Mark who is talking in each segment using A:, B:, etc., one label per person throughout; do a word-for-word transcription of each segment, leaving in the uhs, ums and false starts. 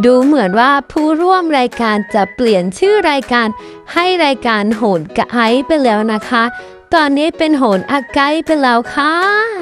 A: ดูเหมือนว่าผู้ร่วมรายการจะเปลี่ยนชื่อรายการให้รายการโหนกะไอไปแล้วนะคะ ตอนนี้เป็นโหนอาไกไปแล้วค่ะ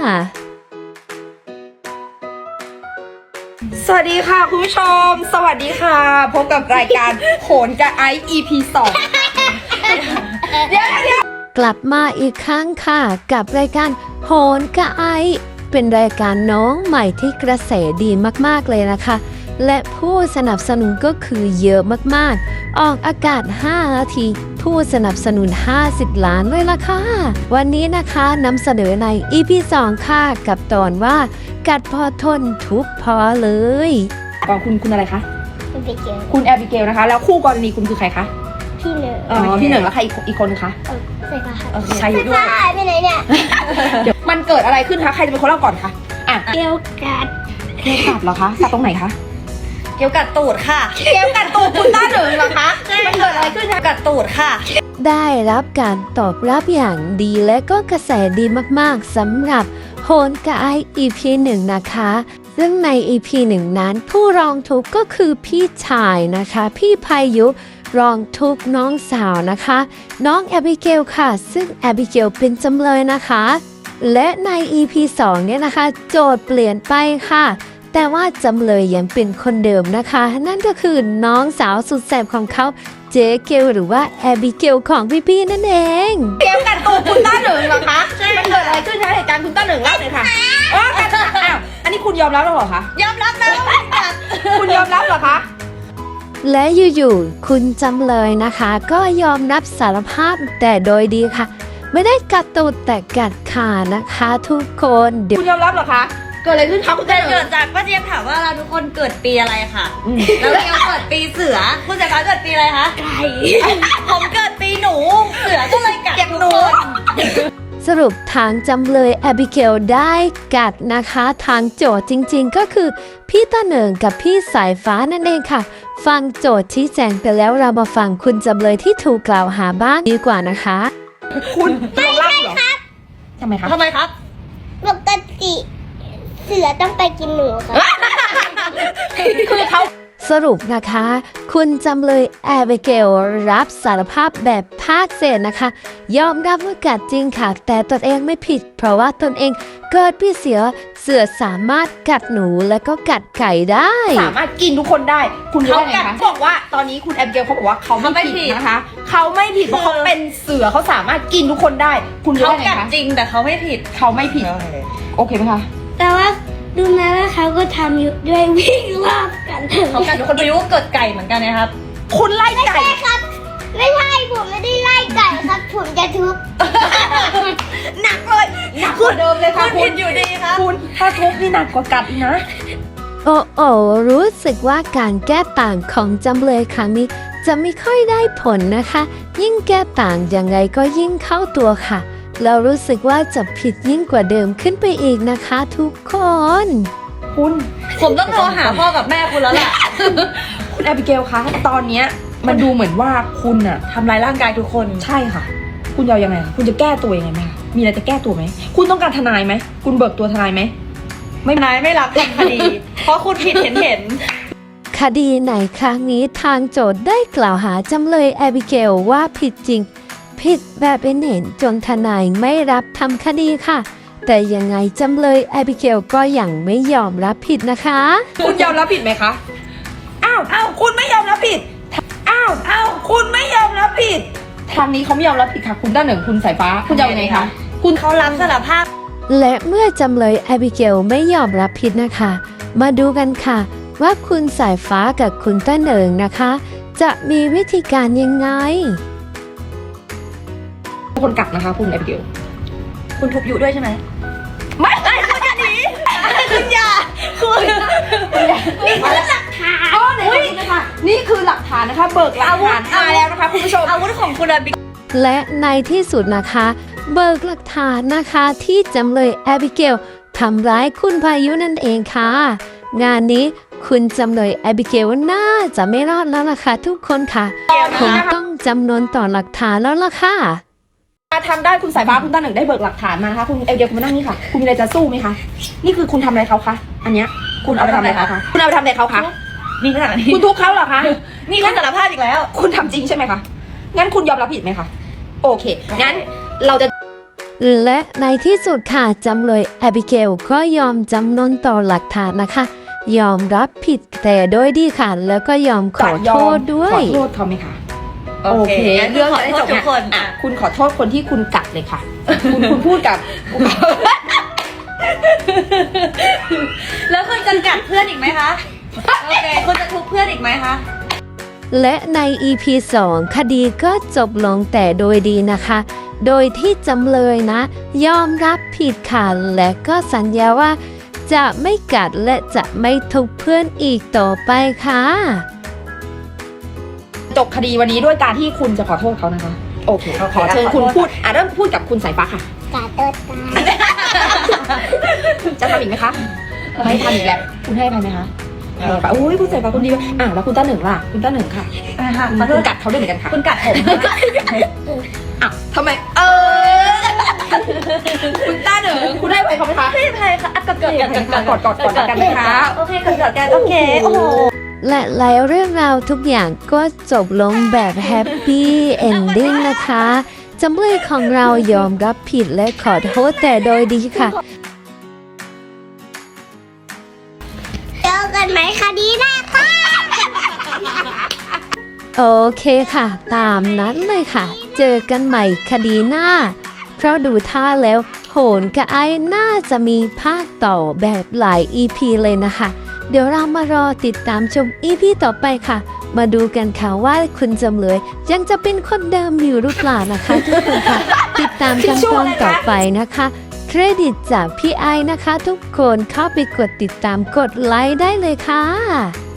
B: สวัสดีค่ะคุณผู้ชมสวัสดีค่ะพบกับรายการโหนกะไอ อี พี สอง เดี๋ยวเดี๋ยว
A: กลับมาอีกครั้งค่ะกับรายการโหนกะไอเป็นรายการน้องใหม่ที่กระแสดีมากๆเลยนะคะและผู้สนับสนุนก็คือเยอะมากๆออกอากาศห้านาทีผู้สนับสนุนห้าสิบล้านเลยล่ะค่ะวันนี้นะคะนำเสนอใน อี พี สองค่ะกับตอนว่ากัดพอทนทุกพอเลย
B: ก่อนคุณคุณอะไรคะ
C: แอบิเกล
B: คุณแอบิเกลนะคะแล้วคู่กรณีคุณคือใครคะ
C: พี่เหนึ่ง
B: อ๋อพี่หนึ่งแล้วใครอีกอีกคนคะ
C: ใส่ผ้า
B: เออใครอยู่ด้วย
C: ใส่ไปไหนเนี่ย
B: เดี๋ยวมันเกิดอะไรขึ้นคะใครจะเป็นคนเล่าก่อนคะอ่ะ
C: เกลกัด
B: เกลกัดเหรอคะกัดตรงไหนคะ
D: เกลกัดตูดค่ะ
B: เกลกัดตูดคุณต้าหนึ่งเหรอคะมันเกิดอะไรขึ้นคะ
D: กัดตูดค่ะ
A: ได้รับการตอบรับอย่างดีและก็กระแสดีมากๆสำหรับโหนกะไอ อี พี หนึ่งนะคะซึ่งใน อี พี หนึ่งนั้นผู้ร้องทุกข์ก็คือพี่ชายนะคะพี่พายุร้องทุกข์น้องสาวนะคะน้องแอบิเกลค่ะซึ่งแอบิเกลเป็นจำเลยนะคะและใน อี พี สองเนี่ยนะคะโจทย์เปลี่ยนไปค่ะแต่ว่าจำเลยยังเป็นคนเดิมนะคะนั่นก็คือน้องสาวสุดแสบของเขาเจเกลหรือว่าแอบิเกลของพี่ๆนั่นเอง
B: เกลกัดตูดคุณต้าหนึ่งเหรอคะมันเกิดอะไรขึ้นคะเหตุการณ์คุณต้าหนึ่งเล่าเลยค่ะอ๋อกัดอ้าวอันนี้คุณยอมรับแล้วเหรอคะ
D: ยอมรับนะว่ากัด
B: คุณยอมรับเหรอคะ
A: และอยู่ๆคุณจำเลยนะคะก็ยอมรับสารภาพแต่โดยดีค่ะไม่ได้กัดตูดแต่กัดขานะคะทุกคน
B: เดี๋ยวคุณยอมรับเหรอคะเกิดอะไรขึ้นคะคุณเ
D: กิดจากป้าเจี๊ยบถามว่าเราทุกคนเกิดปีอะไรค่ะแล้วเกลเกิดปีเสือคุณสายฟ้าเกิดปีอะไรคะไก่ผมเกิดปีหนูเสือก็เลยกัดทุกคน
A: สรุปทางจำเลยแอบิเกลได้กัดนะคะทางโจทย์จริงๆก็คือพี่ต้าเหนิงกับพี่สายฟ้านั่นเองค่ะฟังโจทย์ชี้แจงไปแล้วเรามาฟังคุณจำเลยที่ถูกกล่าวหาบ้างดีกว่านะคะ
B: คุณไม่ใช่ครับทำไมครับ
D: ทำไมครับ
C: ปกติเสือต้องไปกินหนูครับ
B: คือเขา
A: สรุปนะคะคุณจำเลยแอบิเกลรับสารภาพแบบภาคเศษนะคะยอมรับว่ากัดจริงค่ะแต่ตนเองไม่ผิดเพราะว่าตนเองเกิดพี่เสือเสือสามารถกัดหนูและก็กัดไก่ได้
B: สามารถกินทุกคนได้คุณรู้ไงคะบอกว่าตอนนี้คุณแอบิเกลเขาบอกว่าเขาไม่ผิดนะคะเขาไม่ผิดเพราะเขาเป็นเสือเขาสามารถกินทุกคนได้คุณรู้ไงคะ
D: เขากัดจริงแต่เขาไม่ผิด
B: เขาไม่ผิดโอเคไหมคะ
C: แต่ว่าดูไหมว่าเขาก็ทำอยู่ด้วยวิ่งรอบกัน
D: เขากัดทุกคนไปรู้ว่าเกิดไก่เหมือนกันนะครับ
B: คุณไล่ไก่
C: ไม่ใช่ครับไม่ใช่ผมไม่ได้ไล่ไก่ครับผมจะทุบ
B: หนักเลยหนักกว่าเดิมเลยค่ะ
D: คุณผิดอยู่ดีครับ
B: คุณถ้าทุบนี่หนักกว่ากัดอีกนะ
A: โอ้โอ้รู้สึกว่าการแก้ต่างของจำเลยครั้งนี้จะไม่ค่อยได้ผลนะคะยิ่งแก้ต่างยังไงก็ยิ่งเข้าตัวค่ะเรารู้สึกว่าจะผิดยิ่งกว่าเดิมขึ้นไปอีกนะคะทุกคน
B: คุณ
D: ผมต้องโทรหาพ่อกับแม่คุณแล้วแหละ
B: คุณแอบิเกลคะตอนนี้มันดูเหมือนว่าคุณอะ
D: ทำลายร่างกายทุกคน
B: ใช่ค่ะคุณจะยังไงคุณจะแก้ตัวยังไงไหมมีอะไรจะแก้ตัวไหมคุณต้องการทนายไหมคุณเบิกตัวทนายไหม
D: ไม่ทนายไม่รับทำคดีเพราะคุณผิดเห็นเห็น
A: คดีไหนครั้งนี้ทางโจทย์ได้กล่าวหาจำเลยแอบิเกลว่าผิดจริงผิดแบบเป็นเห็นจนทนายไม่รับทำคดีค่ะแต่ยังไงจำเลยแอบิเกลก็ยังไม่ยอมรับผิดนะคะ
B: คุณยอมรับผิดไหมคะอ้าวอ้าวคุณไม่ยอมรับผิดอ้าวอ้าวคุณไม่ยอมรับผิดทางนี้เขาไม่ยอมรับผิดค่ะคุณต้าเหนิงคุณสายฟ้าคุณจะยังไงคะ
D: คุณเขารับสารภาพ
A: และเมื่อจำเลยแอบิเกลไม่ยอมรับผิดนะคะมาดูกันค่ะว่าคุณสายฟ้ากับคุณต้าเหนิงนะคะจะมีวิธีการยังไง
B: คนกัดนะคะคุณแอบิเกล
D: คุณทุบอยู่ด้วยใช่ไหม
B: ไม่ไม่คุณอย่าหนี
D: คุณอย่าคุณ
B: นี่คือหลักฐานอ๋อไหนดูนะคะนี่คือหลักฐานนะคะเบิกหลักฐานมาแล้วนะคะคุณผู้ชม
D: อาวุธของคุณแอบิ
A: และในที่สุดนะคะเบิกหลักฐานนะคะที่จำเลยแอบิเกลทำร้ายคุณพายุนั่นเองค่ะงานนี้คุณจำเลยแอบิเกลน่าจะไม่รอดแล้วล่ะค่ะทุกคนค่ะคงต้องจำนวนต่อหลักฐานแล้วล่ะค่ะ
B: ทำได้คุณสายฟ้าคุณต้าเหนิงได้เบิกหลักฐานมานะคะคุณเอเดียคุณมานั่งนี่ค่ะคุณมีอะไรจะสู้ไหมคะนี่คือคุณทำอะไรเขาคะอันเนี้ยคุณเอาไปทำอะไรเขาคะคุณเอาไปทำอะไรเขาคะ
D: นี่ขนาดนี้
B: คุณทุบเขาเหรอคะ
D: นี่คุณสารภาพอีกแล้ว
B: คุณทำจริงใช่ไหมคะ งั้นคุณยอมรับผิดไหมคะ โอเค งั้นเราจะ
A: และในที่สุดค่ะจำเลยแอบิเกลก็ยอมจำนนต่อหลักฐานนะคะ ยอมรับผิดแต่โดยดีค่ะ แล้วก็ยอมขอโทษด้ว
B: ขอย โทษเขาไหมคะ
D: โอเคงั้น
B: เรื่อง
D: ขอโทษทุกคน
B: อ่ะคุณขอโทษคนที่คุณกัดเลยค่ะ คุณคุณพูดกับ
D: แล้วคุณจะกัดเพื่อนอีกไหมคะ โอเค คุณจะทุบเพื่อนอีกไหมคะ
A: และใน อี พี สอง คดีก็จบลงแต่โดยดีนะคะ โดยที่จำเลยนะ ยอมรับผิดค่ะและก็สัญญาว่าจะไม่กัดและจะไม่ทุบเพื่อนอีกต่อไปค่ะ
B: จบคดีวันนี้ด้วยการที่คุณจะขอโทษเขานะคะ โอเค
D: โอเค
B: ขอเชิญ
D: ขอโทษ
B: คุณพูด อ่ะเริ่มพูดกับคุณสายฟ้าค่ะ
C: กาเติร์ดตาย
B: จะทำอีกไหมคะ ไม่ทำอีกแล้ว คุณให้อภัยไหมคะให้อภัยอุ้ยคุณสายฟ้าคนดีอ่ะแล้วคุณต้าหนึ่งล่ะ คุณต้าหนึ่งค่ะ
D: อ่ะค่ะ
B: คุณ
D: ขอโทษ
B: กัดเขาด้วยเหมือนกันค่ะ
D: คุณกัดผม
B: อ่ะทำไม เออ คุณต้าหนึ่งคุณให้อภัยเขาไหมคะ
D: ไม่ใช่ค่ะอ่ะกอดกอดกอดกอด
B: กอดกอดกอดกันนะคะ
D: โอเคกอดกอดกันโอเค โอ้โห
A: และแล้วเรื่องราวทุกอย่างก็จบลงแบบแฮปปี้เอนดิ้งนะคะจำเลยของเรายอมรับผิดและขอโทษแต่โดยดีค่ะ
C: เจอกันไหมคดีหน้าค่ะ
A: โอเคค่ะ ตามนั้นเลยค่ะ เจอกันใหม่คดีหน้า เพราะดูท่าแล้ว โหนกับไอ้น่าจะมีภาคต่อแบบหลาย อี พี เลยนะคะ เดี๋ยวเรามารอติดตามชม อี พี ต่อไปค่ะ มาดูกันค่ะว่าคุณจำเลยยังจะเป็นคนเดิมอยู่หรือเปล่านะคะทุกคนค่ะ ติดตามกันตอนต่อไปนะคะ เครดิตจากพี่ไอนะคะ ทุกคนเข้าไปกดติดตามกดไลค์ได้เลยค่ะ